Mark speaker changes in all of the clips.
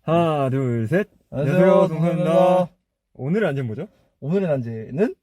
Speaker 1: 하나, 둘, 셋.
Speaker 2: 안녕하세요,
Speaker 1: 동현입니다. 오늘의 안제는 뭐죠?
Speaker 2: 오늘의 난제는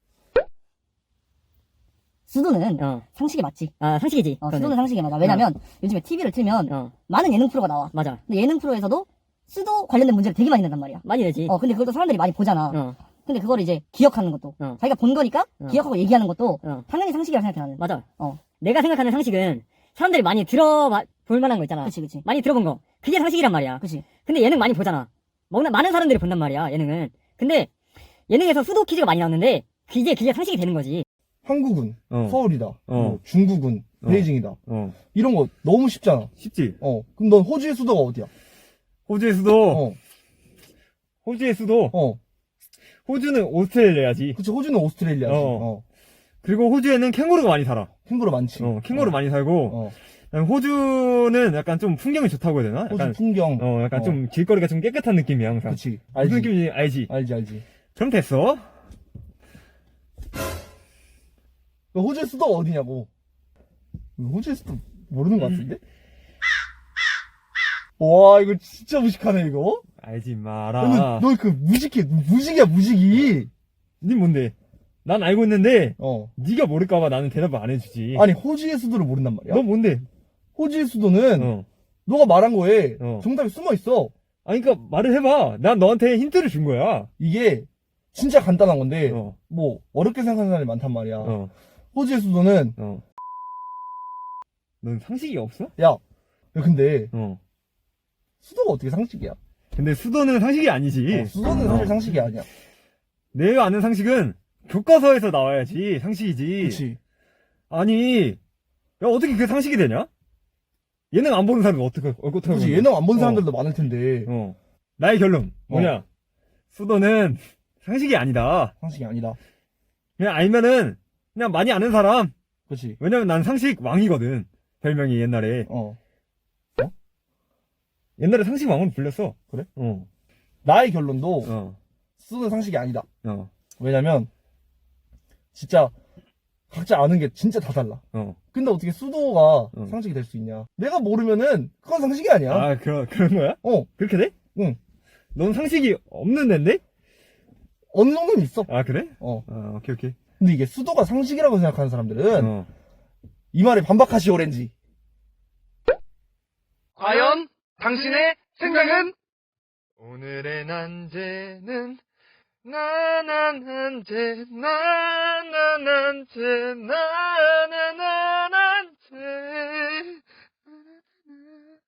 Speaker 3: 수도는 상식이 맞지.
Speaker 4: 상식이지.
Speaker 3: 수도는 상식이 맞아. 왜냐면 요즘에 TV를 틀면 많은 예능 프로가 나와.
Speaker 4: 맞아.
Speaker 3: 근데 예능 프로에서도 수도 관련된 문제를 되게 많이 낸단 말이야.
Speaker 4: 많이 되지.
Speaker 3: 근데 그걸 또 사람들이 많이 보잖아. 근데 그걸 이제 기억하는 것도 자기가 본 거니까 기억하고 얘기하는 것도 당연히 상식이라고 생각해 나는.
Speaker 4: 맞아. 내가 생각하는 상식은 사람들이 많이 들어볼 만한 거 있잖아.
Speaker 3: 그치.
Speaker 4: 많이 들어본 거. 그게 상식이란 말이야.
Speaker 3: 그치.
Speaker 4: 근데 예능 많이 보잖아. 많은 사람들이 본단 말이야, 예능은. 근데 예능에서 수도 퀴즈가 많이 나오는데 그게 상식이 되는 거지.
Speaker 2: 한국은
Speaker 1: 어.
Speaker 2: 서울이다. 뭐 중국은 베이징이다. 이런 거 너무 쉽잖아.
Speaker 1: 쉽지?
Speaker 2: 그럼 넌 호주의 수도가 어디야?
Speaker 1: 호주의 수도. 호주의 수도. 호주는 오스트레일리아지.
Speaker 2: 그치, 호주는 오스트레일리아지.
Speaker 1: 그리고 호주에는 캥거루가 많이 살아.
Speaker 2: 캥거루 많지.
Speaker 1: 캥거루 많이 살고. 그다음에 호주는 약간 좀 풍경이 좋다고 해야 되나?
Speaker 2: 호주
Speaker 1: 약간,
Speaker 2: 풍경.
Speaker 1: 약간 좀 길거리가 좀 깨끗한 느낌이야, 항상.
Speaker 2: 그치.
Speaker 1: 무슨
Speaker 2: 알지.
Speaker 1: 느낌인지 알지?
Speaker 2: 알지.
Speaker 1: 그럼 됐어.
Speaker 2: 너 호주의 수도가 어디냐고. 호주의 수도 모르는 것 같은데? 와, 이거 진짜 무식하네, 이거.
Speaker 1: 알지 마라.
Speaker 2: 너 그 무식이야, 무식이.
Speaker 1: 니 뭔데? 난 알고 있는데,
Speaker 2: 어.
Speaker 1: 니가 모를까봐 나는 대답을 안 해주지.
Speaker 2: 아니, 호주의 수도를 모른단 말이야.
Speaker 1: 너 뭔데?
Speaker 2: 호주의 수도는
Speaker 1: 어.
Speaker 2: 너가 말한 거에
Speaker 1: 어.
Speaker 2: 정답이 숨어 있어.
Speaker 1: 아니, 그니까 말을 해봐. 난 너한테 힌트를 준 거야.
Speaker 2: 이게 진짜 간단한 건데
Speaker 1: 어.
Speaker 2: 뭐 어렵게 생각하는 사람이 많단 말이야.
Speaker 1: 어.
Speaker 2: 호주의 수도는
Speaker 1: 넌 상식이 없어?
Speaker 2: 야 근데
Speaker 1: 어.
Speaker 2: 수도가 어떻게 상식이야?
Speaker 1: 근데 수도는 상식이 아니지.
Speaker 2: 수도는 사실 상식이 아니야.
Speaker 1: 내가 아는 상식은 교과서에서 나와야지 상식이지.
Speaker 2: 그렇지.
Speaker 1: 아니, 야, 어떻게 그게 상식이 되냐? 예능 안 보는 사람이 어떻게
Speaker 2: 그렇지. 예능 안 본 사람들도 많을 텐데
Speaker 1: 나의 결론 뭐냐? 수도는 상식이 아니다.
Speaker 2: 상식이 아니다.
Speaker 1: 그냥 알면은 그냥 많이 아는 사람.
Speaker 2: 그렇지.
Speaker 1: 왜냐면 난 상식 왕이거든. 별명이 옛날에. 옛날에 상식 왕으로 불렸어.
Speaker 2: 그래? 나의 결론도 수도는 상식이 아니다. 왜냐면 진짜 각자 아는 게 진짜 다 달라. 근데 어떻게 수도가 상식이 될 수 있냐? 내가 모르면은 그건 상식이 아니야.
Speaker 1: 아, 그런 거야? 그렇게 돼?
Speaker 2: 응.
Speaker 1: 넌 상식이 없는 앤데?
Speaker 2: 어느 정도는 있어.
Speaker 1: 아, 그래?
Speaker 2: 어.
Speaker 1: 오케이.
Speaker 2: 근데 이게 수도가 상식이라고 생각하는 사람들은 이 말에 반박하시 오렌지.
Speaker 5: 과연 당신의 생각은?
Speaker 1: 오늘의 난제는
Speaker 5: 나는 난제